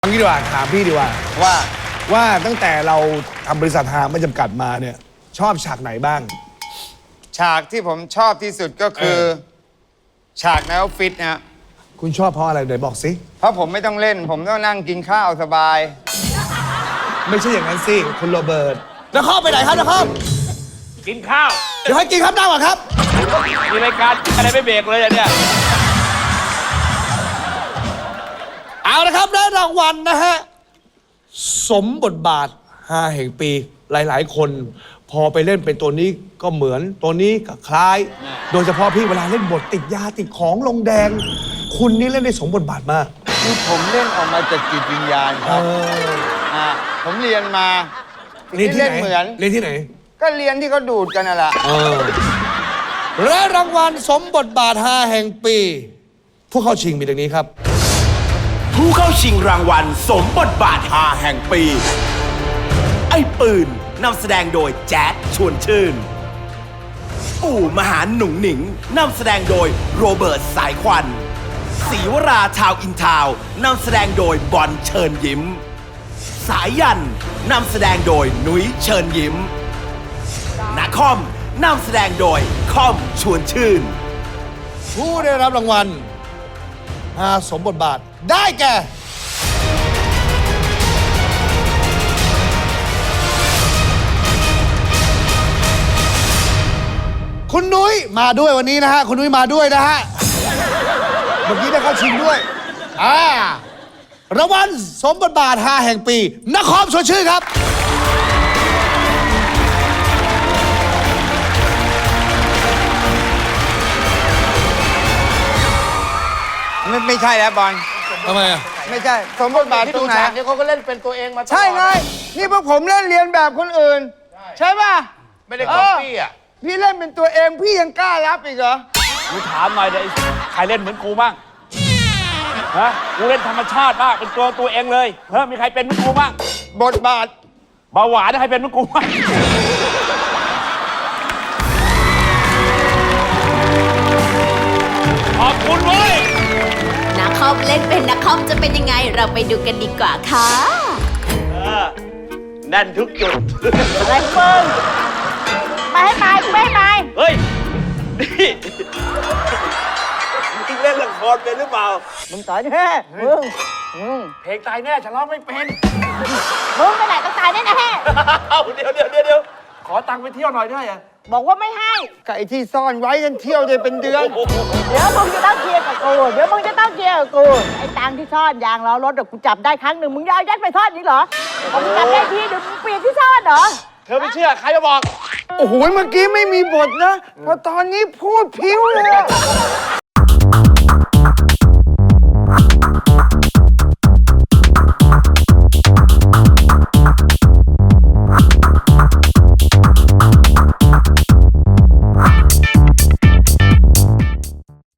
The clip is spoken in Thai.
เอางี้ดีกว่าถามพี่ดีกว่าว่าตั้งแต่เราทำบริษัทหาไม่จำกัดมาเนี่ยชอบฉากไหนบ้างฉากที่ผมชอบที่สุดก็คือฉากในออฟฟิศนะคุณชอบเพราะอะไรไหนบอกสิเพราะผมไม่ต้องเล่น ผมต้องนั่งกินข้าวสบายไม่ใช่อย่างนั้นสิคุณโรเบิร์ตนครไปไหนครับนครกินข้าวเดี๋ยวให้กินครับนั่งก่อนครับมีรายการอะไรไม่เบรกเลยอะเนี่ยเอาละครับได้รางวัลนะฮะสมบทบาท5 แห่งปีหลายๆ คนพอไปเล่นเป็นตัวนี้ก็เหมือนตัวนี้ก็คล้าย โดยเฉพาะพี่เวลาเล่นบทติดยาติดของลงแดง คุณนี่เล่นได้สมบทบาทมากคือผมเล่นออกมาจากจิตวิญญาณครับผมเรียนมาเรียนที่ไหนเหมือนเรียนที่ไหนก็เรียนที่เขาดูดกันน่ะแหละและรางวัลสมบทบาท5 แห่งปีผู้เข้าชิงมีดังนี้ครับผู้เข้าชิงรางวัลสมบทบาท5แห่งปี ไอ้ปืนนำแสดงโดยแจ๊ดชวนชื่นปู่มหาหนุ่งหนิงนำแสดงโดยโรเบิร์ตสายควันศรีวราชาวอินทาวนำแสดงโดยบอลเชิญยิ้ม สายยันนำแสดงโดยนุ้ยเชิญยิ้มนาคอมนำแสดงโดยคอมชวนชื่นผู้ได้รับรางวัล5สมบทบาทได้แก่ คุณนุ้ยมาด้วยวันนี้นะฮะคุณนุ้ยมาด้วยนะฮะเมื่อกี้ได้เข้าชิงด้วยรางวัลสมบทบาท5 แห่งปีนครชวนชื่นครับไม่ใช่แล้วบอลทำไมอ่ะไม่ใช่สมบทบาทที่ตรดูงไหนฉากนี้เขาก็เล่นเป็นตัวเองมาตลอดใช่ไงนี่พวกผมเล่นเรียนแบบคนอื่น ใช่ป่ะไม่ได้ก๊อปปี้อ่ะพี่เล่นเป็นตัวเองพี่ยังกล้ารับอีกเหรอกูถามหน่อยเดี๋ยวใครเล่นเหมือนกูบ้างฮะกูเล่นธรรมชาติมากเป็นตัวเองเลยเฮ้ยมีใครเป็นเหมือนกูบ้างบทบาทเบาหวานใครเป็นเหมือนกูบ้างขอบคุณเว้ยนักคอมเล่นเป็นนักคอมจะเป็นยังไงเราไปดูกันดีกว่าค่ะแน่นทุกจุดอะไรเฟิงไปให้ไปกูไม่ให้ไปเฮ้ย นี่มึงเล่นละครเป็นหรือเปล่ามึงตายแน่มึงเพลงตายแน่ฉันร้องไม่เป็นมึงไปไหนต้องตายแน่เอ้าเดี๋ยวขอตังค์ไปเที่ยวหน่อยได้อะบอกว่าไม่ให้ไก่ที่ซ่อนไว้กันเที่ยวได้เป็นเดือนเดี๋ยวมึงจะต้องเคลียร์กับกูเดี๋ยวมึงจะต้องเคลียร์กับกูไอ้ตังค์ที่ซ่อนยางล้อรถกูจับได้ครั้งหนึ่งมึงจะเอายัดไปซ่อนนี่เหรอมึงจับได้ทีเดี๋ยวมึงเปลี่ยนที่ซ่อนเหรอเธอไม่เชื่อใครมาบอกโอ้โหเมื่อกี้ไม่มีบทนะพอตอนนี้พูดพิ้วเลยอะ